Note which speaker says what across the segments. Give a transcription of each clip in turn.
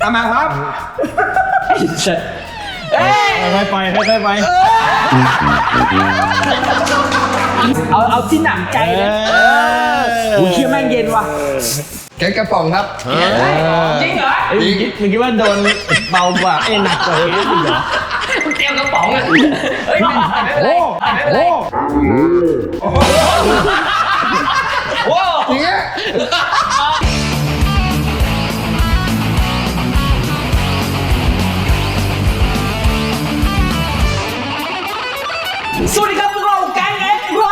Speaker 1: ตามมาครับ
Speaker 2: ค่อยๆไปค่อยๆไป
Speaker 1: เอาที่หนักใจเลยกูเชื่อแม่งเย็นว่ะ
Speaker 3: แกงกระป๋องครับ
Speaker 1: จริงเหรอ
Speaker 2: มึงคิดว่าโดนเบากว่าหนักกว่านี้เหรอ
Speaker 1: เตรียมกระป๋องเลยเฮ้ยไม่เป็นไรไม่เป็นไรโอ้
Speaker 3: จริงอ่ะ
Speaker 1: สวัสดีครับพวกเราแก๊งเอ็กซ์ไร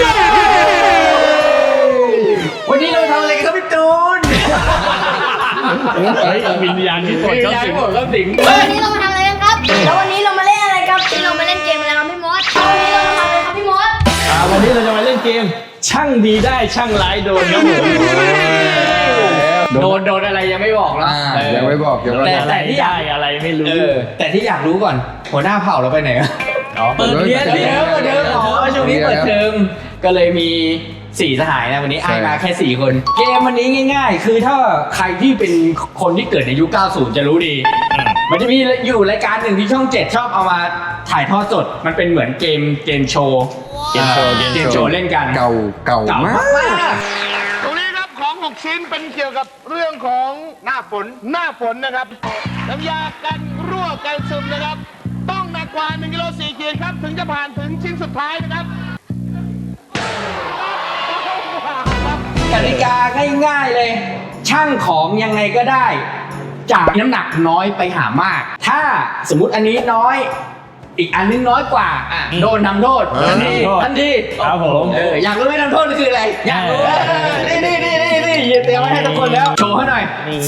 Speaker 1: วันนี้เราทำอะไรกันครับพี่ตูน
Speaker 2: วิญญาณที่ปวดเข้าสิง
Speaker 4: วันนี้เรามาทำอะไรกันครับแล้ววันนี้เรามาเล่นอะไรครับเรามาเล่นเกมอะไรครับพี่มดวันนี้เรามาทำอะไรครับพี่มด
Speaker 2: วันนี้เราจะมาเล่นเกมช่างดีได้ช่างร้ายโดนครับผม
Speaker 1: โดนอะไรยังไม่บอกนะ
Speaker 3: ยังไม่บอก
Speaker 2: แต่ที่ได้อะไรไม่รู้
Speaker 1: แต่ที่อยากรู้ก่อนหัวหน้าเผ่าเราไปไหนเปิดเรียนช่วงนี้เปิดเทอมก็เลยมี4สหายนะวันนี้ไอ้มาแค่4คนเกมวันนี้ง่ายๆคือถ้าใครที่เป็นคนที่เกิดในยุค 90 จะรู้ดีมันจะมีอยู่รายการหนึ่งที่ช่อง 7 ชอบเอามาถ่ายทอดสดมันเป็นเหมือนเกมโชว์เล่นกัน
Speaker 3: เก่ามาก
Speaker 5: ตรงนี้ครับของ6ชิ้นเป็นเกี่ยวกับเรื่องของหน้าฝนนะครับน้ำยากันรั่วกันซึมนะครับต้องหนักกว่า1 กิโล 4 ขีดครับถึงจะผ่านถึงชิ้นสุดท้ายนะครับ
Speaker 1: กติกาง่ายๆเลยช่างของยังไงก็ได้จากน้ำหนักน้อยไปหามากถ้าสมมุติอันนี้น้อยอีกอันนึงน้อยกว่าโดนทำโทษทันที
Speaker 2: ครับผม
Speaker 1: อยากรู้ไหมทำโทษคืออะไรอยากรู้นี่เตรียมไว้ให้ทุกคนแล้วโชว์ให้หน่อย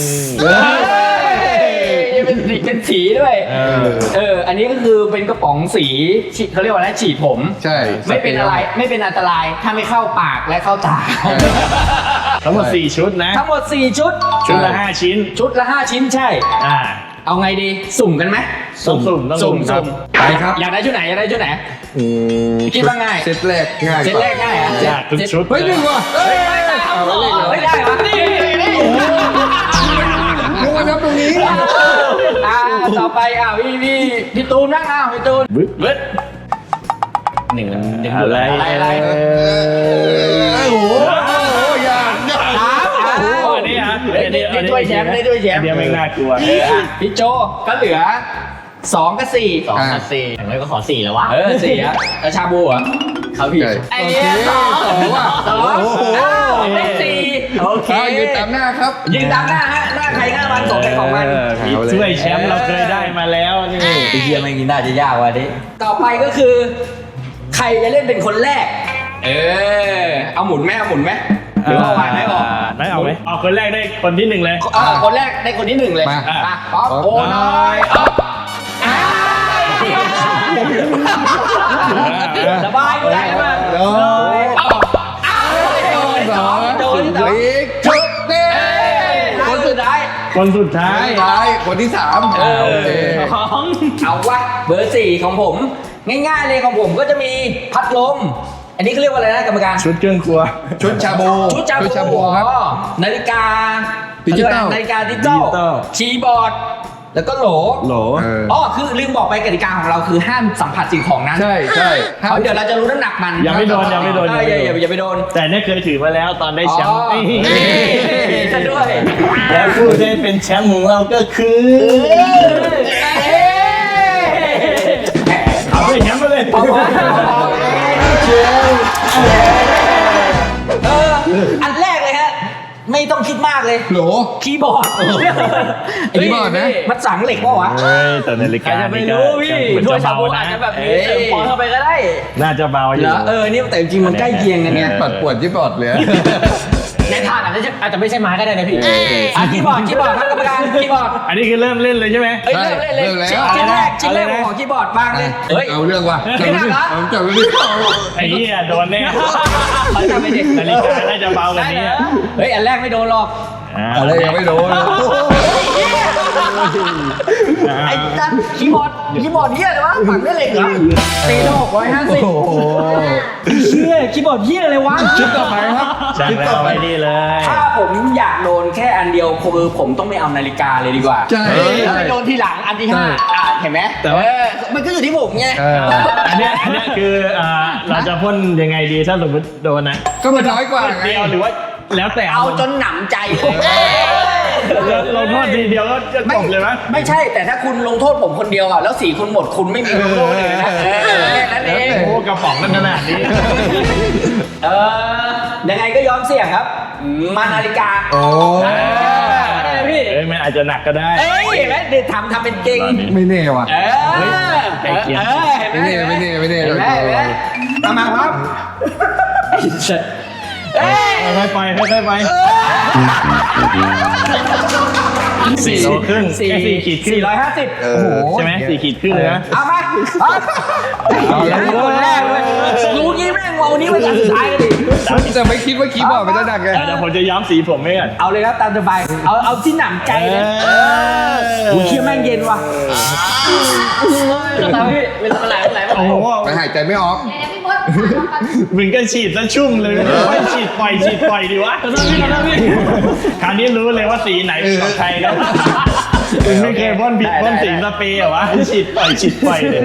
Speaker 1: เป็นสีด้วยอันนี้ก็คือเป็นกระป๋องสีเขาเรียกว่าอะไรฉีดผม
Speaker 3: ใช่
Speaker 1: ไม่เป็นอะไรไม่เป็นอันตรายถ้าไม่เข้าปากและเข้าตา
Speaker 2: ทั้งหมด4ชุดนะ
Speaker 1: ทั้งหมด4ชุด
Speaker 2: ละ5ชิ้น
Speaker 1: ชุดละ5ชิ้นใช่เอาไงดีสุ่มกันไหม
Speaker 2: สุ่ม
Speaker 1: ไปครับอยากได้ชุดไหนคิดว่าง่าย
Speaker 3: เซตแรกง่าย
Speaker 1: อ่ะ
Speaker 2: อยากทุกชุด
Speaker 3: เฮ้ยดึงว่ะ
Speaker 1: ไม่ได้วะนี่
Speaker 3: นึกว่านับตรงนี้
Speaker 1: ต่อไปพี่ตูนนั่งพี่ตูน
Speaker 2: บึ๊ดหนึ่งอะไร
Speaker 3: โอ้โหยาก
Speaker 1: ได้ด้วยแชมป์
Speaker 2: เดี๋ยวไม่น่ากลัว
Speaker 1: พี่โจก็เหลือ2 กับ 4
Speaker 2: อย่างไรก็ขอ4แล้ววะ
Speaker 1: 4อะแล้วชาบูอ่ะเขาผิดไอ้เนี่ย2ว่ะ2ได้4โอเค
Speaker 3: ยืนตามหน้าครับ
Speaker 1: ยืนตามหน้าฮะหน้าใครหน้ามันของใครของมัน
Speaker 2: ช่วยแชมป์เราเคยได้มาแล้วนี่
Speaker 1: ไอ้เหี้ยไม่กินน่าจะยากว่ะดิต่อไปก็คือใครจะเล่นเป็นคนแรกเอาหมุนไหมหรือว่าวางไหนออก
Speaker 2: ได้เอาไหมเอาคนแรกได้คนที่1เลย
Speaker 1: คนแรกได้คนที่1เลยป๊อปโอ้น้อยสบายได้ไหมโดนชุดเด้คนสุดท้าย
Speaker 3: คนที่3
Speaker 1: เอาวะเบอร์4ของผมง่ายๆเลยของผมก็จะมีพัดลมอันนี้เขาเรียกว่าอะไรนะกรรมการ
Speaker 2: ชุดเครื่องครัว
Speaker 3: ชุดชาบูครับ
Speaker 1: นาฬิกาดิจิตอลคีย์บอร์ดแล้วก็โหลคือลืมบอกไปกติกาของเราคือห้ามสัมผัสสิ่งของนั้น
Speaker 3: ใช่
Speaker 1: เพราะเดี๋ยวเราจะรู้น้ำหนักมัน
Speaker 2: อย่าไปโดนอย่า
Speaker 1: ไปโดน
Speaker 2: แต่เนี่ยเคยถือมาแล้วตอนได้แชมป์
Speaker 1: ซะด้วย
Speaker 2: แล้วผู้ได้เป็นแชมป์ของเราก็คือเอาไปแชมป์ไปเลย
Speaker 1: อันแรกเลยฮะไม่ต้องคิดมากเลย
Speaker 3: โหล
Speaker 1: คีย์บอร์ด
Speaker 3: นะ
Speaker 1: มันสั่งเหล็กป่ะวะ
Speaker 2: แต่นาฬิกา
Speaker 1: จะไม่รู้พี่ถ้วยชาบูอาจจะแบบนี้เติมฟองเข้าไปก็ได้
Speaker 2: น่าจะเบาอยู่
Speaker 1: นี่แต่จริงมันใกล้เคียงกันเนี่ย
Speaker 3: ปัดปวดที่บอร์ดเลย
Speaker 1: ในถาดอาจจะไม่ใช่ไม้ก็ได้นะพี่คีย์บอร์ดครับกรรมการคีย์บอร์ด
Speaker 2: อันนี้คือเริ่มเล่นเลยใช่ไหม
Speaker 1: เริ่มชิ้นแรกของคีย์บอร์ดบ้างเลย
Speaker 3: เอาเรื่องว่ะจับไปดิ
Speaker 2: ไอ้เหี้ยโดนแน่นาฬิกาน่าจะเบากว่านี้
Speaker 1: อันแรกไม่โดนหรอก
Speaker 3: อะไรยังไม่โดน
Speaker 1: ไอ้จัดคีย์บอร์ดเหี้ยเลยวะฝังด้วยเหล็กเหรอตีละ650
Speaker 3: โอ้โห
Speaker 2: เชี่ยคีย์บอร์ดเหี้ยอะไรวะ
Speaker 3: คลิปต่อไปครับ
Speaker 2: จัง
Speaker 3: คลิป
Speaker 2: แล้
Speaker 3: ต่อ
Speaker 2: ว
Speaker 3: ไป
Speaker 2: ไม่ดีเลย
Speaker 1: ถ้าผมอยากโดนแค่อันเดียวคือผมต้องไม่เอานาฬิกาเลยดีกว่า
Speaker 3: ใช่
Speaker 1: แล้วไปโดนทีหลังอันที่
Speaker 3: ใช่
Speaker 1: 5เห็นไหม
Speaker 2: แต่ว่า
Speaker 1: มันก็อยู่ที่ผมไง
Speaker 2: อันเนี้ยคือเราจะพ่นยังไงดีถ้าสมมติโดนนะ
Speaker 3: ก็มันน้อยกว่าไง
Speaker 2: เดียวหรือว่าแล้วแต่
Speaker 1: เอาจนหนำใจเลย
Speaker 2: เราโทษทีเดียวก็จะจบเลยมั้ย
Speaker 1: ไม่ใช่แต่ถ้าคุณลงโทษผมคนเดียวอ่ะแล้ว4คุณหมดคุณไม่มีลงโทษเลยนะแค่นั้นเอง
Speaker 2: โอ้กระป๋องมันขนาดนี้
Speaker 1: ยังไงก็ยอมเสี่ยงครับมานาฬิกา
Speaker 3: โอ้
Speaker 1: ได้เลยพี่
Speaker 2: เอ้ยมันอาจจะหนักก็ได้
Speaker 1: เอ้ยเห็นไหมเดี๋ยวทำเป็นจริง
Speaker 3: ไม่แน่ว่ะ
Speaker 1: เห็นไหม
Speaker 3: ไม่แน่ไม่แน่ไม่แน่
Speaker 1: เห็นไหมเห็นไหมเอามาครับเอ้ย
Speaker 2: ค่อยๆไปค่อยๆไป4 โลครึ่ง4 ขีดครึ่ง
Speaker 1: 450
Speaker 3: โอ้โห
Speaker 2: ใช่ไหม4 ขีดครึ่งเลยนะ
Speaker 1: เอามาเอาแล้วคนแรกเลยรู้งี้แม่งวันนี้เป็นการสุดท้ายกันดิ
Speaker 3: แต่ไม่คิดว่าคีย์บอร์ดมันจะหนักไง
Speaker 2: เดี๋ยวผมจะย้อมสีผมให้ก่อน
Speaker 1: เอาเลยครับตามสบายเอาที่หนำใจเลยกูเชื่อแม่งเย็นว่ะตามพี่เวลาไหล
Speaker 2: โอ้โห
Speaker 3: ไปหายใจไม่ออก
Speaker 4: ไหนๆพี่มด
Speaker 2: มึงก็ฉีดซะชุ่มเลยไม่ฉีดปล่อยดีวะคราวนี้รู้เลยว่าสีไหนเป็นของใครแล้วมึงไม่เคยพ่นผิดพ่นสีสเปรย์เหรอวะฉีดปล่อยเนี่ย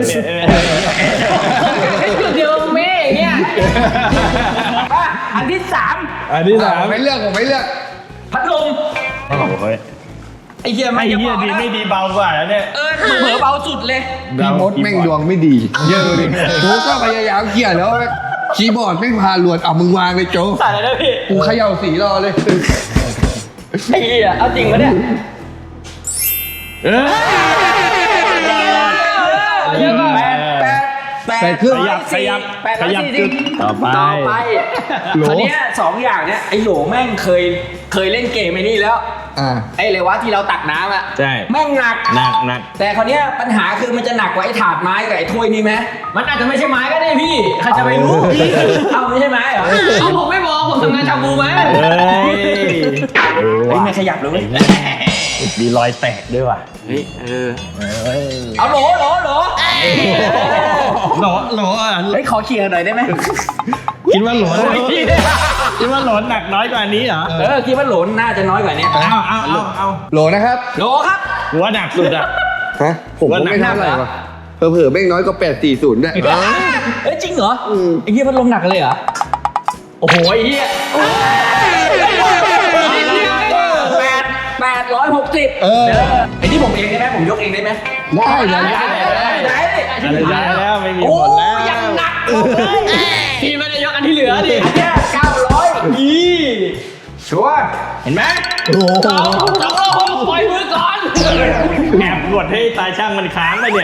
Speaker 1: เดียวเม่อย่างเงี้ยอันที่
Speaker 2: อันที่ 3
Speaker 3: ไม่เลือกผมไม่เลือก
Speaker 1: 3พัดลม
Speaker 2: โอ้โห
Speaker 1: ไอ้เหี้ย
Speaker 2: ไม่
Speaker 1: ไม่
Speaker 2: เหี้ยดีไม่ดีเบากว่าแล้วเนี่ย
Speaker 1: เผลอเบาสุดเลย
Speaker 3: พี่มดแม่งดวงไม่ดีเยอะเลยโจ๊กก็พยายามเขี่ยแล้วคีย์บอร์ดแม่งพาลวนเอามึงวางเลยโจ๊ก
Speaker 1: ใส่เลยนะพี่
Speaker 3: กูเขย่าสีรอเลย
Speaker 1: ไอ้เหี้ยเอาจริงปะเนี่ย
Speaker 3: แปดครึ่ง
Speaker 2: ขยับจุดต่อไป
Speaker 3: โหล
Speaker 1: คราวเนี้ย2 อย่างเนี้ยไอ้โหลแม่งเคยเล่นเกมไอ้นี่แล้ว ไอ้เลยวะที่เราตักน้ำอ่ะ
Speaker 2: ใช่
Speaker 1: แม่งหนัก
Speaker 2: หนัก
Speaker 1: แต่คราวเนี้ยปัญหาคือมันจะหนักกว่าไอ้ถาดไม้กับไอ้ถ้วยนี่ไหมมันอาจจะไม่ใช่ไม้ก็ได้พี่ใครจะไปรู้เอาไม่ใช่ไม้เหรอเอาผมไม่บอกผมทำงานชาบูไหม
Speaker 2: เฮ้ย
Speaker 1: ไม่ขยับเลย
Speaker 2: มีรอยแตกด้วยว่ะ
Speaker 1: เอาโหล
Speaker 2: หลอ่ะ
Speaker 1: เฮ้ยขอเคลียร์หน่อยได้ไหม
Speaker 2: คิดว่าหลหหนักน้อยกว่านี้เหรอ
Speaker 1: คิดว่าโหลน่าจะน้อยกว่านี้
Speaker 2: เอา
Speaker 3: โหลนะครับ
Speaker 1: โหลครับ
Speaker 2: กูว่าหนักสุดอ่ะ
Speaker 3: ฮะผมก็ไม่เท่าไหร่ว่ะเผลอๆแม่งน้อยกว่า840ด้วย
Speaker 1: เอ้ยจริงเหรอไอ้เหี้ยพัดลมหนักเลยเหรอโอ้โหไอ้เหี้ย860ไอ้ที่ผมเองได้ไหมผมยกเองได้ไหม
Speaker 3: ได้เลย
Speaker 2: ได้แล้วไม่มี
Speaker 1: โอ้
Speaker 2: ผลแล้ว
Speaker 1: ยังหนักเลยพี่ไม่ได้ยกอันที่เหลือดิอันเนี้ย900อีชัวร์เห็นไหม
Speaker 3: โอ้โห
Speaker 1: ผมปล่อยมือก่อน
Speaker 2: แอบกดให้ตาช่างมันค้างไปเนี่ย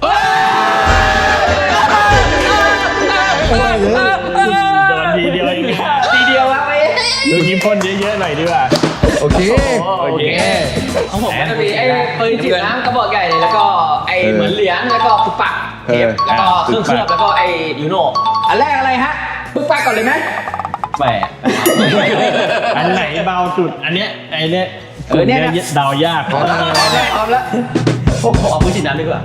Speaker 2: โดนทีเดียวเอง
Speaker 1: ทีเดียวครับไอ้
Speaker 2: ดูยิ้มพ่นเยอะๆหน่อยดีกว่า
Speaker 3: โอเค
Speaker 1: ของผมก็จะมีไอ้ปืนฉีดน้ำกระบอกใหญ่เลยแล้วก็ไอ้เหมือนเหรียญแล้วก็ปุกปักเทปแล้วก็เครื่องเคลือบแล้วก็ไอ้ยูโน่อันแรกอะไรฮะปุกปักก่อนเลยไหม
Speaker 2: แปะอันไหนเบาสุด อันเนี้ยไอ้เนี้ยเดายาก
Speaker 1: พร้อมแล้วพวกผมเอาปืนฉีดน้ำดีกว่า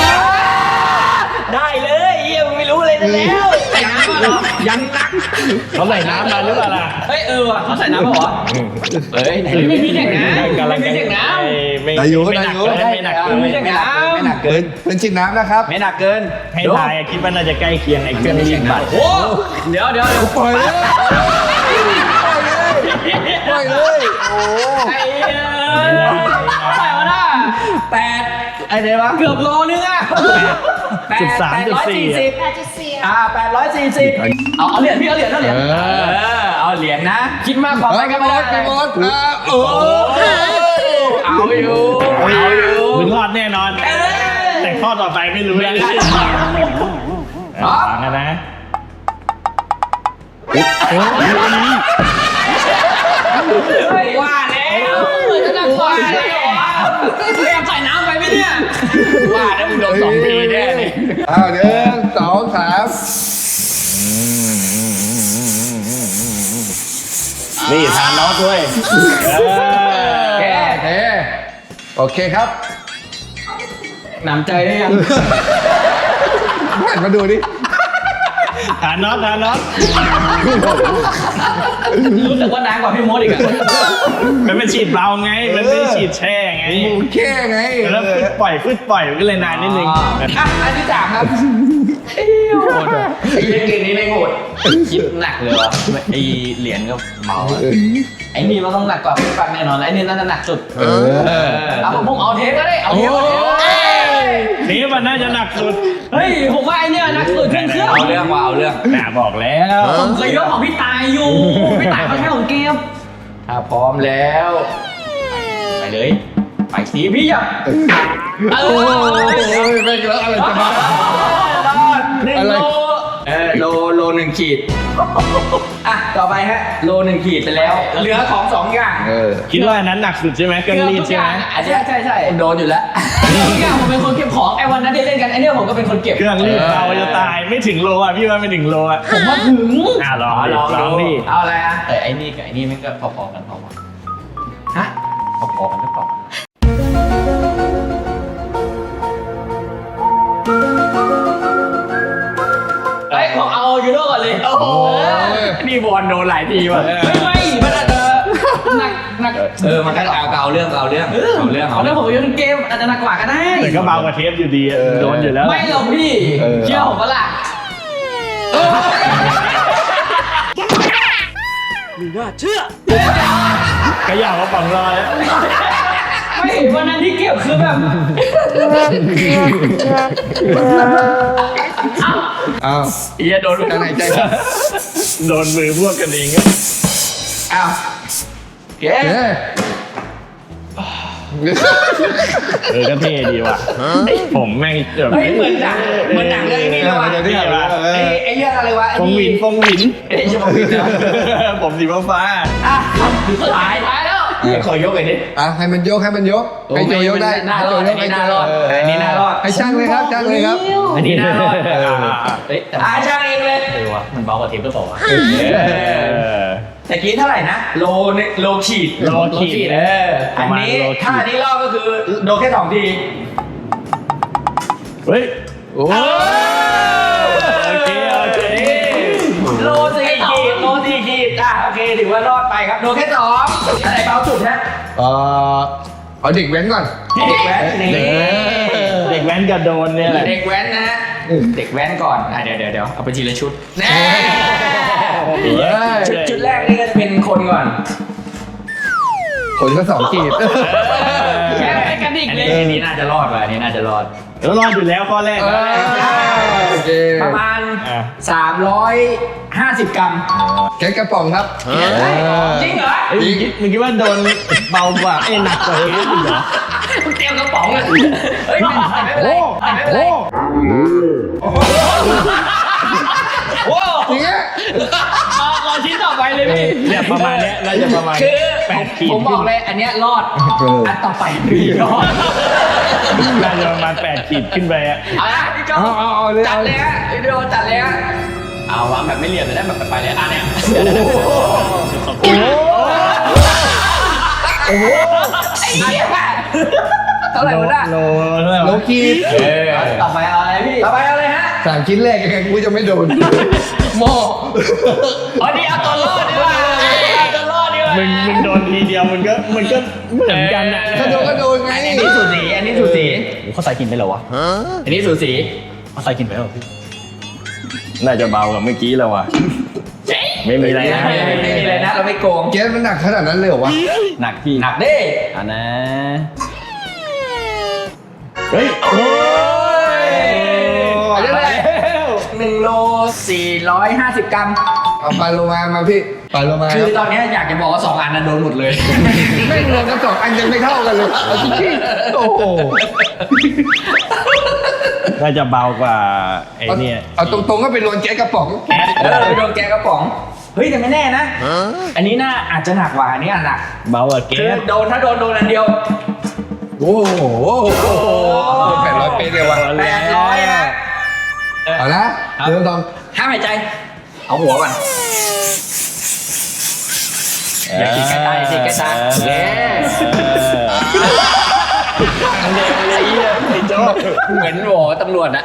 Speaker 1: ได้เลยเยี่ยมไม่รู้เลยนะแล้วใส่น้ำเหรอยังหนัก
Speaker 2: เขาใส่น้ำมาหรือเปล่าล่ะ
Speaker 1: เฮ้ยว่ะเขาใส่น้ำป่ะวะเฮ้ยไม่มีแข่งน้ำ
Speaker 2: กำลัง
Speaker 1: ไม่มีแข่งน้ำ
Speaker 2: ไม่หนักเกิน
Speaker 3: เป็นชิ้นน้ำนะครับ
Speaker 1: ไม่หนักเกิน
Speaker 2: ให้ทายคิดว่าน่าจะใกล้เคียงไอ้เครื่อง20 บาท
Speaker 1: โอ้เดี๋ยว
Speaker 3: ปล่อยเลยปล่อยเลยโอ้
Speaker 1: ไอ้ใส่มาหน้า8ไอ้เดี๋ยววะเกือบโลนึงอ่ะ840
Speaker 4: 8.4
Speaker 1: 840เอาเหรียญพี่เอาเหรียญเอาเหรียญนะคิดมากขอไปกันไม่ได้
Speaker 3: พี่มดโอ้
Speaker 1: เอาอยู่
Speaker 2: มึงรอดแน่นอน แต่ข้อต่อไปไม่รู้แล้วฟังกันนะ
Speaker 1: ว่าแล้วจะนั่งว่าแล้วแอบใส่น้ำไปไหมเนี่ยว่าแล้วมึงโดน2 ปีแน่เลย
Speaker 3: 1 2 3
Speaker 2: นี่ทานน็อตด้วย
Speaker 3: โอเคครับ
Speaker 1: หนำใจได้ยัง
Speaker 3: หันมาดูดิ
Speaker 2: หาน็อต
Speaker 1: รู้สึกว่านานกว่าพี่มดอีกอะ
Speaker 2: มันเป็นฉีดเบาไง มันไม่ได้ฉีดแช่ไง
Speaker 3: แค่ไง
Speaker 2: แล้วฟึดปล่อยมันก็เลยนานนิดนึง
Speaker 1: อันที่สามครับโหดว่ะไอ้เกมนี้ไม่โหดคิดหนักเลยวะไอ้เหรียญก็เมาอะไอ้นี่มันต้องหนักกว่าพี่ฟังแน่นอนไอ้นี่น่าจะหนักสุดเอาผมเอาเทปก็ได้เอาเทปก็ได้
Speaker 2: เทปมันน่าจะหนักสุด
Speaker 1: เฮ้ยผมว่าไอ้เนี่ยหนักสุดเครื่องเอาเรื่องว่ะเอาเรื่อง
Speaker 2: น่าบอกแล้ว
Speaker 1: ผมเคยยกของพี่ตายอยู่พี่ตายเขาใช้ของเกมถ้าพร้อมแล้วไปเลยไปสีพี่อ่ะ
Speaker 3: โอ้ยไม่แล้วอะไรจะมาร
Speaker 1: อด1 โลโล1 ขีดอ่ะต่อไปฮะโล1 ขีดไปแล้วเหลือของ2 อย่าง
Speaker 2: คิดว่าอันนั้นหนักสุดใช่ไหมเครื่องรีดใช่ไหม
Speaker 1: ใช่โดนอยู่แล้วทุกอย่างผมเป็นคนเก็บของไอ้วันนั้นที่เล่นกันไอ้เนี่ยผมก็เป็นคนเก็บ
Speaker 2: เครื่องรีดเราจะตายไม่ถึงโลอ่ะพี่ว่าไม่ถึงโลอ่ะ
Speaker 1: ผมว่าถึง
Speaker 2: ลองดิ
Speaker 1: เอาอะไรอ่ะแต่ไอ้นี่กับไอ้นี่มันก็พอๆกันฮะพอๆกันหรือเปล่าเฮ้ยขอเอายูโน่ก่อนเลยโอ้โหนี่บอลโดนหลายทีว่ะไม่มันอาจจะหนักมันก็เอาเรื่องผมโยนเกมอาจจะหนักกว่าก็ได้
Speaker 2: แต่ก็เบากว่าเทปอยู่ดีโดนอยู่แล้ว
Speaker 1: ไม่หรอกพี่เชื่อผมปะล่ะ
Speaker 2: ก็อยากมาปังรอย
Speaker 1: ไม่วันนั้นที่เก็บคือแบบ
Speaker 3: อ้าว
Speaker 1: เอียโดน
Speaker 3: จะไหนใจครับ
Speaker 2: โดนมือพวกกันเอง
Speaker 1: อ้าวเก๋
Speaker 2: ก็เท่ดีว่ะผมแม่งแบบ
Speaker 1: เฮ้ยเหมือนหนังเรื่องนี้เลยว่ะไอ้เรื่องอะไรวะ
Speaker 2: ฟงหวิน
Speaker 1: ไอ้ชั่วโมงวินนะ
Speaker 2: ผมสีฟ้า
Speaker 1: อ่ะสุดท้ายแล้วขอยกไอ้นี่
Speaker 3: ให้มันยกให้โจยกได้
Speaker 1: หน้ารอดอันนี้หน้ารอดอันนี้หน้ารอด
Speaker 3: ให้ช่างเลยครับช่างเลยครับ
Speaker 1: อันนี้หน้ารอดเฮ้ยช่างเองเลยว่ะมันเบากว่าเทปหรือเปล่าวะแต่กี้เท่าไหร่นะโลขีดอันนี้ถ้าอันนี้รอบก็คือโดนแค่2 ที
Speaker 2: เฮ้ย
Speaker 3: โอ้
Speaker 2: โอเค
Speaker 1: โล4 ขีดโอเคถือว่ารอดไปครับโดนแค่2อะไรเบาสุดนะ
Speaker 3: เอาเด็กแว้นก่อน
Speaker 1: เด็กแว้นนี่
Speaker 2: เด็กแว้นกับโดนเนี่ยแหละ
Speaker 1: เด็กแว้นนะเด็กแว้นก่อนเดี๋ยวเอาไปทีละชุดแน่ชุดแรกนี่ก็จะเป็นคนก่อน
Speaker 3: คนก็2 ขีด
Speaker 1: แค่กระดิกเลยอันนี้น่าจะรอดว่ะอันนี้น่าจะรอด
Speaker 2: แล้วรอดอยู่แล้วข้อแรก
Speaker 3: โอเค
Speaker 1: ประมาณ350 กรัม
Speaker 3: แกกระป๋องครับ
Speaker 1: จริงเหรอ
Speaker 2: มึงคิดว่าโดนเบากว่าหนักกว่าเทปอีกเหรอ
Speaker 1: มึงเตรียมกระป๋องเลยเฮ้ยไม่เป็นไรไม่เป็นไร โอ้
Speaker 3: จริงอ่ะ
Speaker 1: รอชิ้นต่อไปเลยพี่
Speaker 2: เนี่ยประมาณเนี้ยน่าจะประมาณ
Speaker 1: คือ
Speaker 2: 8 ขีด
Speaker 1: ผมบอกเลยอันเนี้ยรอดอันต่อไปรอด
Speaker 2: น่าจะประมาณ8 ขีดขึ้นไปอ่ะ
Speaker 1: เอาละพี่โจ
Speaker 3: เอาเลย
Speaker 1: จัดเลยฮะพี่โจจัดเลยฮะเอาวางแบบไม่เหลี่ยมเลยได้แบบไปเลยเนี่ยโอ้โหไอ้เหี้ยเท่าไหร่วะน่ะ
Speaker 3: โลขีด
Speaker 1: ต่อไปเอาอะไรพี่ต่อไปเอาอะไรฮะ
Speaker 3: 3 ชิ้นแรกยังไงกูจะไม่โดน
Speaker 1: โมอ๋อนี่เอาตัวรอดดีกว่าเอาตัวรอดดีกว่า
Speaker 2: มึงโดนทีเดียวมันก็เหมือนกันอ่ะ
Speaker 3: ถ้าโดนก็โดนไง
Speaker 1: อันนี้สูสีอันนี้สูสี
Speaker 2: เขาใส่กินไปเหรอวะ
Speaker 1: อันนี้สูสี
Speaker 2: เขาใส่กินไปเหรอพี่น่าจะเบากว่าเมื่อกี้แล้วว่ะไม่มีอะไรนะ
Speaker 1: ไม่มีอะไรนะเราไม่โกง
Speaker 3: เกสมันหนักขนาดนั้นเลยเหรอวะ
Speaker 2: หนักพี่
Speaker 1: หนักดิ
Speaker 2: อ่ะนะเฮ้ยโอ้ย
Speaker 3: อันนี้แหละ
Speaker 1: 1 โล 450 กรัม
Speaker 3: เอาปลาโลมาพี่ปลาโลมา
Speaker 1: คือตอนนี้อยากจะบอกว่า2 อันนั้นโดนหมดเลย
Speaker 3: ไม่รวมกัน2 อันยังไม่เท่ากันเลยเอาจริงๆโอ้โห
Speaker 2: น่าจะเบากว่าไอ้เนี่ย
Speaker 3: เอาตรงๆก็เป็นโดนแก๊สกระป๋อง
Speaker 1: โดนแกกระป๋อง เฮ้ยแต่ไม่แน่นะ อันนี้น่าอาจจะหนักกว่าอันนี้หนัก
Speaker 2: เบากว่าเก
Speaker 1: คือ
Speaker 2: ส
Speaker 1: ถ้าโดนอันเดียว
Speaker 3: โอ้โห800 เป๊ะเลยว่ะ
Speaker 1: 800นะ
Speaker 3: เอาละเริ่มต้อง
Speaker 1: ห้ามหายใจ เอาหัวก่อน อย่าขีดใกล้ตาอย่าขีดใกล้ตาเย้
Speaker 2: ไอ้โจ๊ก
Speaker 1: เหมือนหมอตำรวจอะ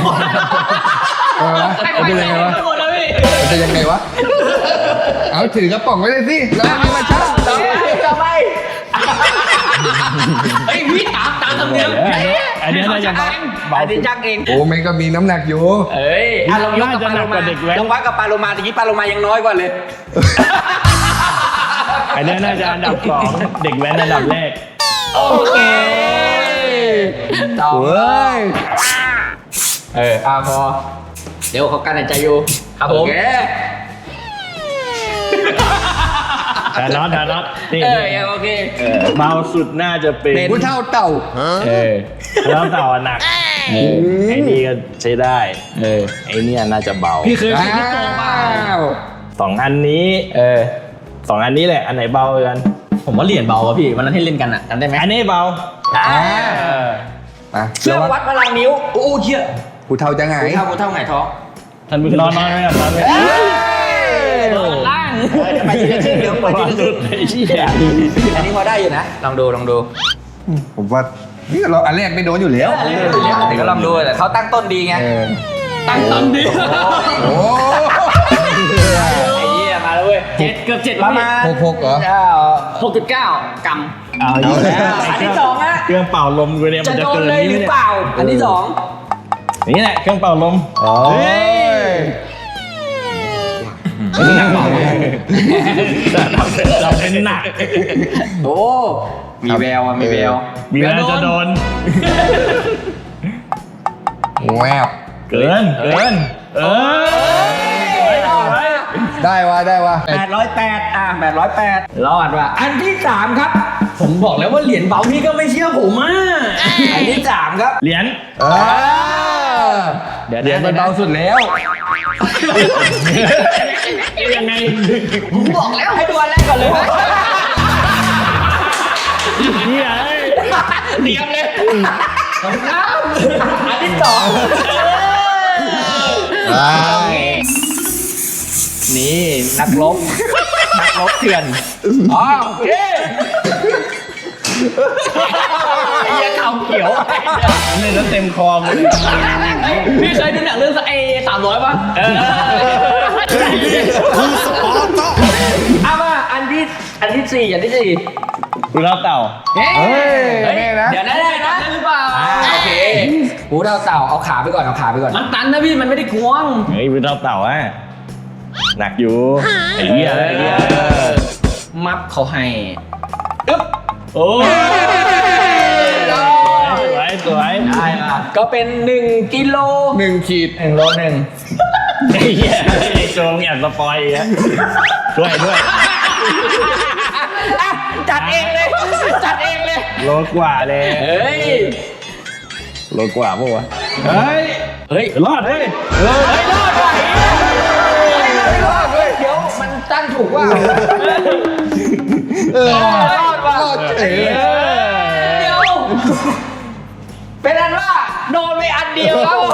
Speaker 3: มันเป็นยังไงวะ
Speaker 1: หมดแล้วพี่
Speaker 3: มันเป็นยังไงวะเอาถือกระป๋องไว้เลยสิแล้วมีมาช่าง
Speaker 1: ต่อไปเฮ้ยพี่ตามธรรมเนียม
Speaker 2: อันนี้น่าจะเบา
Speaker 1: อันนี้จักเอง
Speaker 3: โอ้มันก็มีน้ำหนักอยู่
Speaker 1: เอ้ยลองยกกับปลาโลมาลองวัดกับปลาโลมาตะกี้ปลาโลมายังน้อยกว่าเลย
Speaker 2: อันนี้น่าจะอันดับ2เด็กแว้นอันดับแรก
Speaker 1: โอเคต่อ
Speaker 3: เฮ้ย
Speaker 1: พอเดี๋ยวเขากันหายใจอยู่ครับผม
Speaker 2: แต่น็อตนี่
Speaker 1: โอเค
Speaker 2: เบาสุดน่าจะเป็น
Speaker 3: ผู้เท่าเต่า
Speaker 2: แล้วเต่าหนักไอ้นี่ก็ใช้ได้ไอ้เนี่ยน่าจะเบา
Speaker 1: พี่เคยคิดที่โตเปล่า
Speaker 2: 2 อันนี้2 อันนี้แหละอันไหนเบากัน
Speaker 1: ผมว่าเหรียญเบาอะพี่วันนั้นให้เล่นกันอะจำได้ไหม
Speaker 2: อันนี้เบา
Speaker 3: มา
Speaker 1: เครื่องวัดพลังนิ้วโอ้เชี่ย
Speaker 3: ผู้เท่าจะไง
Speaker 1: กูเท่าไงท้อง
Speaker 2: ท่านผู้ชมนอนไม่หลับนอนไม่
Speaker 1: ล่างไปทีละครึ่งเดี๋ยวเปิดทีละครึ่ง
Speaker 2: ไอ้เหี้ย
Speaker 1: อันนี้พอได้อยู่นะลองดู
Speaker 3: ผมว่านี่เราอันแรกไม่โดนอยู่แล้ว
Speaker 1: แต่ก็ลองดูแต่เขาตั้งต้นดีไง ตั้งต้นดี
Speaker 3: โอ้
Speaker 1: ไอ้เหี้ยมาแล้วเว้ยเกือบ7ประมาณ
Speaker 3: 6เหรอ
Speaker 1: 6.9 กรัม
Speaker 2: เอาอยู่แล้ว
Speaker 1: อันที่สองอะ
Speaker 2: เครื่องเป่าลมกูเนี่ยมั
Speaker 1: จะ
Speaker 2: นจะ
Speaker 1: โดน
Speaker 2: เกิน
Speaker 1: เลยหรือเปล่า อันที่สอง
Speaker 2: นี่แหละเครื่องเป่าลม
Speaker 3: โอ้ย
Speaker 2: เราเป็นหนัก
Speaker 1: โอ้มีแววอ่ะมีแวว
Speaker 2: มีแววจะโดน
Speaker 3: แวบ
Speaker 2: เกิน
Speaker 3: ได้วะ
Speaker 1: 808808รอดว่ะอันที่3ครับ ผมบอกแล้วว่าเหรียญเบาพี่ก็ไม่เชื่อผมอ่ะอันที่3ครับ
Speaker 2: เหรียญ
Speaker 3: เดี๋ยวมันเบาสุดแล้ว
Speaker 2: ยังไง
Speaker 1: ผมบอกแล้วให้ดูอันแรกก่อนเลย
Speaker 2: เฮีย
Speaker 1: เตรียมเลยอันที่สองนี่นักรบเถื่อนอ๋อโอเคอย่าเข่าเขียว
Speaker 2: เล่นแล้วเต็มคอมึง
Speaker 1: พี่เคยดูหนังเรื่อง300ป่ะเอามาอันที่สี่
Speaker 2: กูเล่าเต่า
Speaker 1: เฮ้ย
Speaker 3: แน่นะ
Speaker 1: เดี๋ยวนะหรือเปล่าโอเคหูดาวเต่าเอาขาไปก่อนมันตันนะพี่มันไม่ได้ควง
Speaker 2: เฮ้ยกูเล่าเต่าอ่ะหนักอยู่ไอ้เหี้ย
Speaker 1: มัฟเขาให้อึ๊บ
Speaker 2: โอ้สวย
Speaker 1: ได้มาก็เป็น1 กิโล
Speaker 3: 1 ขีด
Speaker 1: 1 โล 1
Speaker 2: ไอ้เหี้ยไอ้โจงอยากสปอยอีกอ่ะด้วย
Speaker 1: จัดเองเลย
Speaker 2: โลกว่าเลย
Speaker 1: เฮ้ย
Speaker 2: โลกว่าปะวะเฮ้ยรอดเฮ้ย
Speaker 1: รอดว่ะไม่รอดเลยเดี๋ยวมันตั้งถูกว่ารอดว่ะ
Speaker 3: เอ๋
Speaker 1: เดี๋ยวเป็นอันว่าโดนไปอันเดียวครับโอ้โห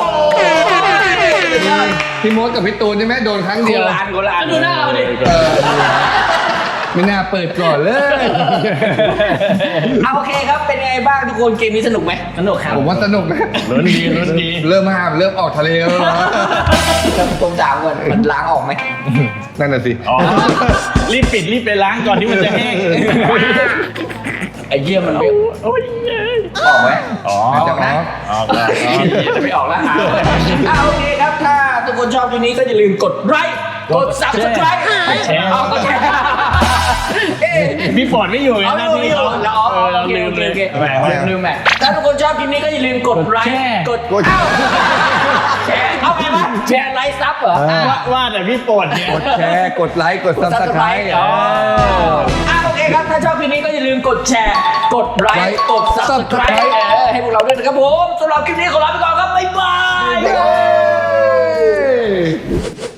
Speaker 3: พี่มดกับพี่ตูนใช่ไหมโดนครั้ง
Speaker 1: โก
Speaker 3: เดียว
Speaker 1: ลานดูหน้าเราดิ
Speaker 3: ไม่น่าเปิดก่อนเลย
Speaker 1: เอาโอเคครับเป็นไงบ้างทุกคนเกมนี้สนุกไหมสนุกครับ
Speaker 3: ผมว่าสนุกนะ
Speaker 2: ลุ้นดี
Speaker 3: เริ่มห้ามเริ่มออกทะเลแล้วเหรอ
Speaker 1: ผมถามก่อนมันล้างออกไหม
Speaker 3: นั่นน่ะสิ
Speaker 2: อ๋อรีบปิดรีบไปล้างก่อนที่มันจะแห้ง
Speaker 1: ไอ้เยี่ยมันไม่
Speaker 2: โอ้ย
Speaker 1: ออกไหม
Speaker 2: อ๋อ
Speaker 1: ออกนะ
Speaker 2: ออกแล้ว
Speaker 1: จะไม่ออกแล้วหาโอเคครับถ้าทุกคนชอบคลิปนี้ก็อย่าลืมกดไลค์กด subscribe
Speaker 2: แชร์
Speaker 1: เอาก็แชร์
Speaker 2: พี่ปอดไม่อยู่ไง
Speaker 1: เอา
Speaker 2: หน้า
Speaker 1: ไม่
Speaker 2: ที่
Speaker 1: อยู่
Speaker 2: เขา
Speaker 1: เรา
Speaker 2: เราลืมเลย
Speaker 1: แหมลืมแหมถ้าทุกคนชอบคลิปนี้ก็อย่าลืมกดไลค์กดแชร์เอาไปมั้ยแชร์ไลค์ซับเหรอ
Speaker 2: ว่าแต่พี่ปอดเนี่ย
Speaker 3: กดแชร์กดไลค์กดซับสไครต์
Speaker 1: โอเคครับถ้าชอบคลิปนี้ก็อย่าลืมกดแชร์กดไลค์กด subscribe ให้พวกเราด้วยนะครับผมสำหรับคลิปนี้ขอลาไปก่อนครับบ๊ายบาย